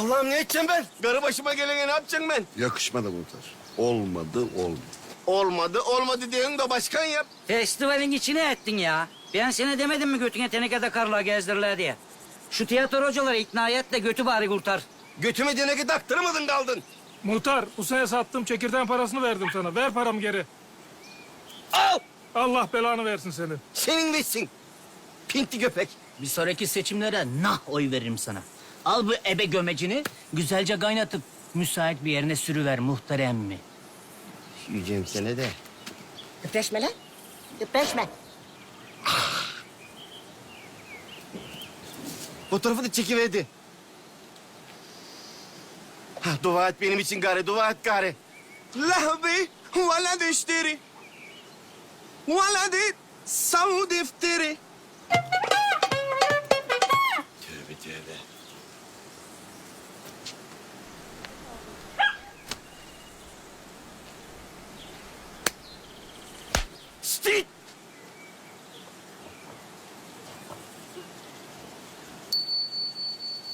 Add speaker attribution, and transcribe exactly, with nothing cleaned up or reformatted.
Speaker 1: Allah'ım ne edeceğim ben? Garı başıma gelene ne yapacağım ben?
Speaker 2: Yakışmadı muhtar. Olmadı, olmadı.
Speaker 1: Olmadı, olmadı diyorsun da başkan yap.
Speaker 3: Festivalin içine ettin ya. Ben sana demedim mi götüne tenekede karla gezdirler diye. Şu tiyatro hocaları ikna et de götü bari kurtar.
Speaker 1: Götüme deneki taktırmadın kaldın.
Speaker 4: Muhtar, bu sene sattığım çekirdeğin parasını verdim sana. Ver paramı geri.
Speaker 1: Al!
Speaker 4: Allah belanı versin seni.
Speaker 1: Senin nesin? Pinti köpek.
Speaker 5: Bir sonraki seçimlere nah oy veririm sana. Al bu ebe gömecini, güzelce kaynatıp müsait bir yerine sürüver muhterem mi?
Speaker 1: Yiyeceğim seni de.
Speaker 6: Öpeşme lan. Öpeşme.
Speaker 1: Fotoğrafı da çekiverdi. Ha, dua et benim için gari, dua et gari. Lahbi vela deşteri. Vela de sav defteri. Tövbe tövbe. Stit!